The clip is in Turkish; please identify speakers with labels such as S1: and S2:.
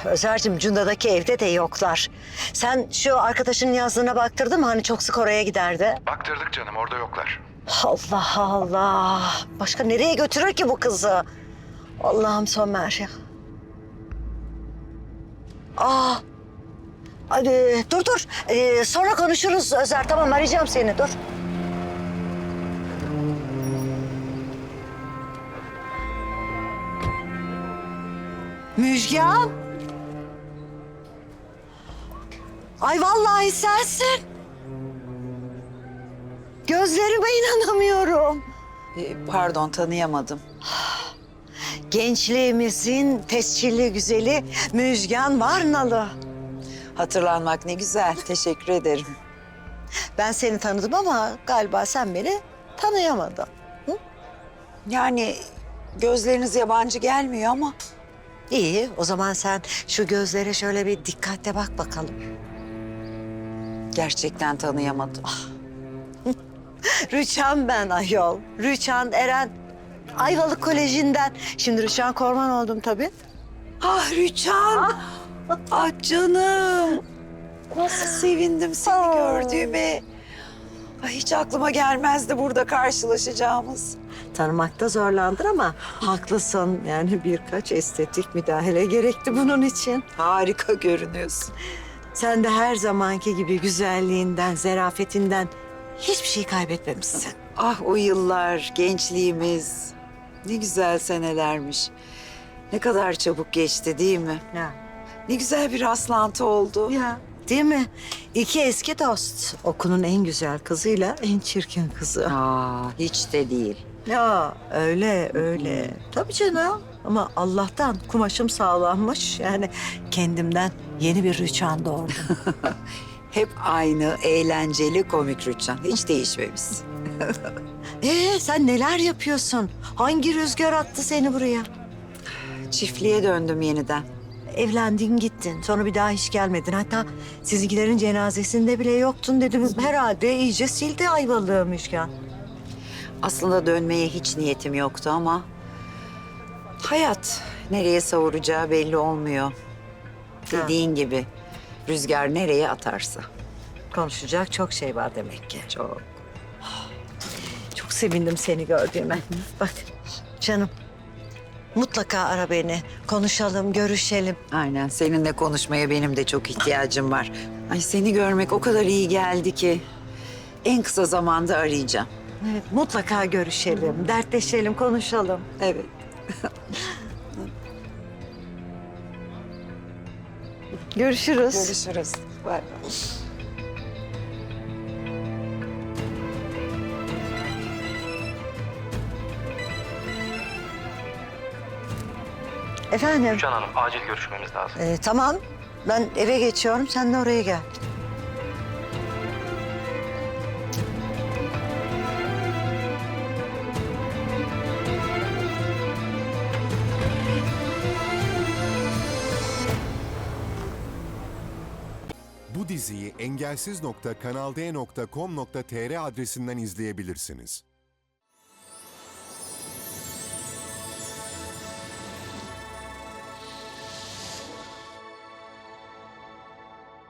S1: Özer'cim Cunda'daki evde de yoklar. Sen şu arkadaşının yazdığına baktırdın mı? Hani çok sık oraya giderdi.
S2: Baktırdık canım, orada yoklar.
S1: Allah Allah. Başka nereye götürür ki bu kızı? Allah'ım Somer ya. Hadi dur. Sonra konuşuruz Özer. Tamam arayacağım seni dur. Müjgan. Ay vallahi sensin. Gözlerime inanamıyorum.
S3: Pardon, tanıyamadım.
S1: Gençliğimizin tescilli güzeli Müjgan Varnalı.
S3: Hatırlanmak ne güzel, teşekkür ederim.
S1: Ben seni tanıdım ama galiba sen beni tanıyamadın.
S3: Yani gözleriniz yabancı gelmiyor ama...
S1: İyi, o zaman sen şu gözlere şöyle bir dikkatle bak bakalım.
S3: Gerçekten tanıyamadım.
S1: Rüçhan ben ayol. Rüçhan Eren. Ayvalık Koleji'nden. Şimdi Rüçhan Korman oldum tabii.
S3: Ah Rüçhan! Ah canım! Nasıl sevindim seni gördüğüme. Ay, hiç aklıma gelmezdi burada karşılaşacağımız.
S1: Tanımakta zorlandın ama haklısın. Yani birkaç estetik müdahale gerekti bunun için.
S3: Harika görünüyorsun.
S1: Sen de her zamanki gibi güzelliğinden, zarafetinden hiçbir şey kaybetmemişsin.
S3: Ah o yıllar, gençliğimiz. Ne güzel senelermiş. Ne kadar çabuk geçti değil mi?
S1: Ya.
S3: Ne güzel bir rastlantı oldu.
S1: Ya. Değil mi? İki eski dost. Okulun en güzel kızıyla en çirkin kızı.
S3: Aa, hiç de değil.
S1: Ya öyle. Tabii canım. Ama Allah'tan kumaşım sağlammış. Yani kendimden yeni bir Rüçhan doğurdum.
S3: Hep aynı, eğlenceli, komik Rüçhan. Hiç değişmemişsin.
S1: Sen neler yapıyorsun? Hangi rüzgar attı seni buraya?
S3: Çiftliğe döndüm yeniden.
S1: Evlendin gittin. Sonra bir daha hiç gelmedin. Hatta sizinkilerin cenazesinde bile yoktun dedim. Herhalde iyice sildi Ayvalık'ı Müjgan.
S3: Aslında dönmeye hiç niyetim yoktu ama... hayat nereye savuracağı belli olmuyor. Dediğin gibi rüzgar nereye atarsa.
S1: Konuşacak çok şey var demek ki.
S3: Çok.
S1: Çok sevindim seni gördüğüme. Bak canım mutlaka ara beni. Konuşalım, görüşelim.
S3: Aynen, seninle konuşmaya benim de çok ihtiyacım var. Ay seni görmek o kadar iyi geldi ki... en kısa zamanda arayacağım.
S1: Evet, mutlaka görüşelim, dertleşelim, konuşalım.
S3: Evet.
S1: Görüşürüz.
S3: Görüşürüz. Bay bay.
S1: Efendim?
S4: Rüçhan Hanım, acil görüşmemiz lazım.
S1: Tamam. Ben eve geçiyorum. Sen de oraya gel.
S5: Bu diziyi engelsiz.kanalde.com.tr adresinden izleyebilirsiniz.